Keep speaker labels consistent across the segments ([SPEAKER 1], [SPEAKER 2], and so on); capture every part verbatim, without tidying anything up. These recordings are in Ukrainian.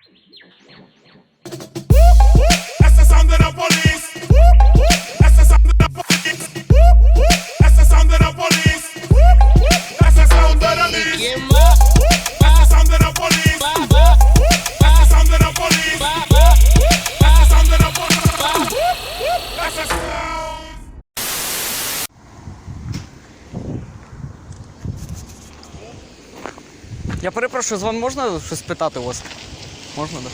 [SPEAKER 1] That's the sound of the police. That's the sound of the police. That's the sound of the police. That's the sound of the police. That's the sound of the police. That's the sound of the police. That's the sound of the police. That's the sound.
[SPEAKER 2] Я перепрошую, з вами можна щось питати у вас? Можна, так?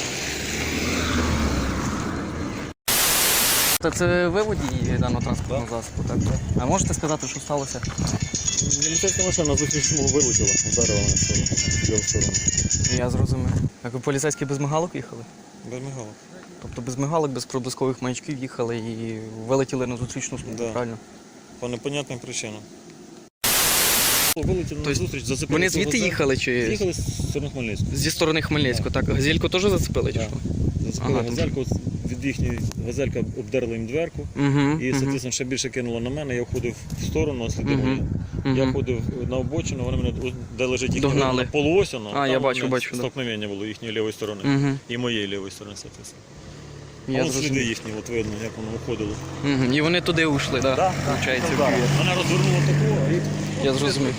[SPEAKER 2] Да? Це ви водій даного транспортного засобу, так? А можете сказати, що сталося?
[SPEAKER 3] Міліцейська машина на зустрічному вилетіла, вдарила мене в сторону, в ліву сторону.
[SPEAKER 2] Я зрозумів. Так ви поліцейські без мигалок їхали?
[SPEAKER 3] Без мигалок.
[SPEAKER 2] Тобто без мигалок, без проблискових маячків їхали і вилетіли на зустрічну смугу,
[SPEAKER 3] Да.
[SPEAKER 2] правильно?
[SPEAKER 3] По непонятним причинам. Вилетіли на
[SPEAKER 2] Тобто
[SPEAKER 3] зустріч, зацепили.
[SPEAKER 2] Вони звідти їхали чи
[SPEAKER 3] Їхали з сторони Хмельницького.
[SPEAKER 2] зі сторони Хмельницького, так? Газельку теж зацепили чи
[SPEAKER 3] Да.
[SPEAKER 2] що?
[SPEAKER 3] Зацепили
[SPEAKER 2] Ага,
[SPEAKER 3] газельку, від їхньої газелька обдерла їм дверку.
[SPEAKER 2] Угу,
[SPEAKER 3] І, соответственно, ще більше кинуло на мене, я входив в сторону, ослідив
[SPEAKER 2] Мгм.
[SPEAKER 3] мене. Я
[SPEAKER 2] Мгм.
[SPEAKER 3] ходив на обочину, вони мене, де лежить їхня
[SPEAKER 2] Догнали.
[SPEAKER 3] полуось, воно,
[SPEAKER 2] А,
[SPEAKER 3] там
[SPEAKER 2] я бачу,
[SPEAKER 3] мене
[SPEAKER 2] бачу, да.
[SPEAKER 3] столкновення було їхньої лівої сторони
[SPEAKER 2] Угу.
[SPEAKER 3] і моєї лівої сторони, соответственно. А
[SPEAKER 2] Я
[SPEAKER 3] вон сліди
[SPEAKER 2] зрозумів.
[SPEAKER 3] їхні, от видно, як воно виходило.
[SPEAKER 2] Угу. І вони туди ушли, так? Да? Получається, в Київ.
[SPEAKER 3] Мене розвернуло такого, а їх...
[SPEAKER 2] Я зрозумів.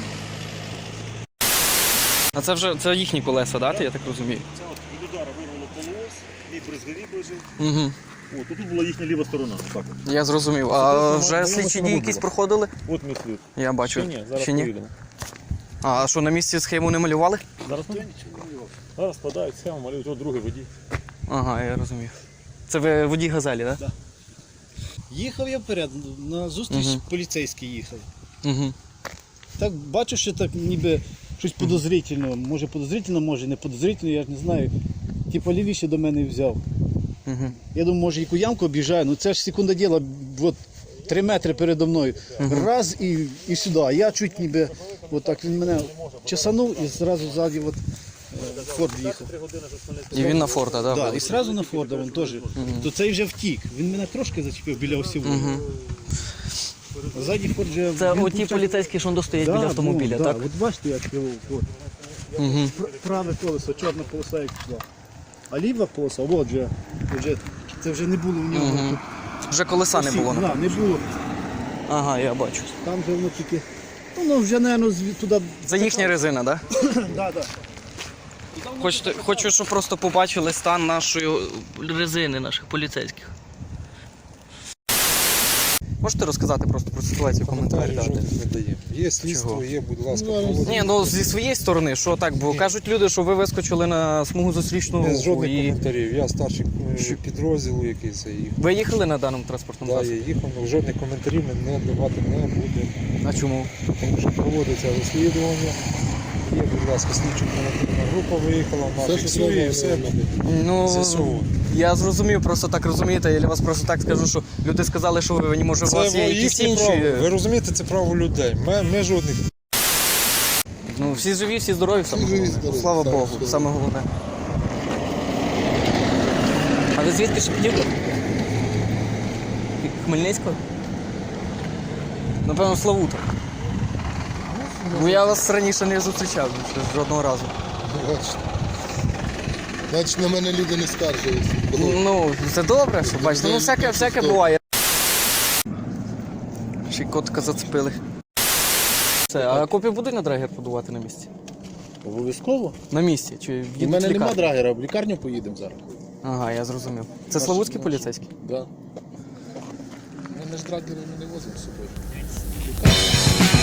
[SPEAKER 2] А це вже це їхні колеса, так? Да? Я так розумію.
[SPEAKER 3] Це от від удара вирвало полуось, мій брезговік лежив.
[SPEAKER 2] Угу.
[SPEAKER 3] От, тут була їхня ліва сторона. Так от.
[SPEAKER 2] Я зрозумів. А
[SPEAKER 3] Це
[SPEAKER 2] вже
[SPEAKER 3] моя
[SPEAKER 2] слідчі
[SPEAKER 3] машина
[SPEAKER 2] дії
[SPEAKER 3] вибула.
[SPEAKER 2] якісь проходили?
[SPEAKER 3] От ми слід.
[SPEAKER 2] Я бачу.
[SPEAKER 3] Ще ні, зараз
[SPEAKER 2] Ще ні?
[SPEAKER 3] поїдемо.
[SPEAKER 2] А що, на місці схему не малювали?
[SPEAKER 3] Зараз ми... Зараз складають схему, малюють, от другий водій.
[SPEAKER 2] Ага, я розумів. Це ви водій газелі, так?
[SPEAKER 4] Да. Їхав я вперед, на зустріч
[SPEAKER 2] Мгм.
[SPEAKER 4] поліцейський їхав.
[SPEAKER 2] Угу.
[SPEAKER 4] Так бачу, що так ніби щось подозрительно. Може подозрительно, може не подозрительно, я ж не знаю. Типу лівіше до мене взяв.
[SPEAKER 2] Угу.
[SPEAKER 4] Я думаю, може яку ямку об'їжджаю, ну це ж секунда діла, от три метри передо мною. Раз і, і сюди. А я чуть ніби, от так він мене чесанув і зразу ззаді от, е, Форд їхав.
[SPEAKER 2] І він на Форда, так?
[SPEAKER 4] Да,
[SPEAKER 2] Да,
[SPEAKER 4] і одразу на Форда він теж. То цей вже втік. Він мене трошки зачепив біля осіву.
[SPEAKER 2] Угу.
[SPEAKER 4] Ззаді Форд вже...
[SPEAKER 2] Це
[SPEAKER 4] він
[SPEAKER 2] оті
[SPEAKER 4] почав-
[SPEAKER 2] поліцейські, що стоять
[SPEAKER 4] Да,
[SPEAKER 2] біля автомобіля,
[SPEAKER 4] ну,
[SPEAKER 2] так?
[SPEAKER 4] Да. От бачите, як його от,
[SPEAKER 2] Угу.
[SPEAKER 4] пр- праве колесо, чорна полоса як пішла. А ліва полоса, от вже, вже, це вже не було в нього.
[SPEAKER 2] Угу. Вже колеса не
[SPEAKER 4] Осі-
[SPEAKER 2] було.
[SPEAKER 4] Да, не було.
[SPEAKER 2] Ага, я бачу.
[SPEAKER 4] Там вже воно тільки, воно вже, напевно, туди...
[SPEAKER 2] Це їхня резина, так? Да?
[SPEAKER 4] Да, да.
[SPEAKER 2] Хочете, хочу, щоб просто побачили стан нашої резини, наших поліцейських. Можете розказати просто про ситуацію, коментарі дати?
[SPEAKER 5] Жодних не дає. Є слідство,
[SPEAKER 2] Чого?
[SPEAKER 5] є, будь ласка,
[SPEAKER 4] Ну,
[SPEAKER 5] проводіть.
[SPEAKER 2] Ні, ну зі своєї сторони, що так, бо кажуть люди, що ви вискочили на смугу зустрічного
[SPEAKER 5] Без
[SPEAKER 2] руху
[SPEAKER 5] жодних
[SPEAKER 2] і
[SPEAKER 5] коментарів. Я старший е,
[SPEAKER 2] Що?
[SPEAKER 5] підрозділу якийсь і їх.
[SPEAKER 2] ви їхали на даному транспортному
[SPEAKER 5] Да, я
[SPEAKER 2] засобі?
[SPEAKER 5] їхав, але жодних коментарів ми не давати не будемо.
[SPEAKER 2] А чому?
[SPEAKER 5] Тому що проводиться розслідування. Є, будь ласка, слідчо оперативна група виїхала, вона фіксує і все буде.
[SPEAKER 2] Ну,
[SPEAKER 5] З'ясовувати.
[SPEAKER 2] я зрозумів, просто так розумієте, я вас просто так скажу, що люди сказали, що ви, може, у вас є
[SPEAKER 5] Це
[SPEAKER 2] якісь
[SPEAKER 5] їхнє право.
[SPEAKER 2] інші...
[SPEAKER 5] Ви розумієте, це право людей. Ми, ми жодних.
[SPEAKER 2] Ну, всі живі, всі здорові, саме
[SPEAKER 5] живі,
[SPEAKER 2] головне.
[SPEAKER 5] здорові,
[SPEAKER 2] Слава
[SPEAKER 5] так,
[SPEAKER 2] Богу,
[SPEAKER 5] все.
[SPEAKER 2] саме головне. А ви звідки Шепетівка? Хмельницького? Напевно, Славута. Бо я вас раніше не зустрічав ще жодного разу.
[SPEAKER 6] Бачите. Значить, на мене люди не скаржилися.
[SPEAKER 2] Ну, це добре, що бачите, ну всяке, всяке буває. Ще й котика зацепили. Це, а копію будуть на драгер подувати на місці?
[SPEAKER 4] Обов'язково.
[SPEAKER 2] На місці? Чи
[SPEAKER 4] У
[SPEAKER 2] їдуть
[SPEAKER 4] мене
[SPEAKER 2] в
[SPEAKER 4] нема
[SPEAKER 2] лікарню?
[SPEAKER 4] драгера, в лікарню поїдемо зараз.
[SPEAKER 2] Ага, я зрозумів. Це славутські поліцейські?
[SPEAKER 6] Да. Ми ж драгери не возимо з собою.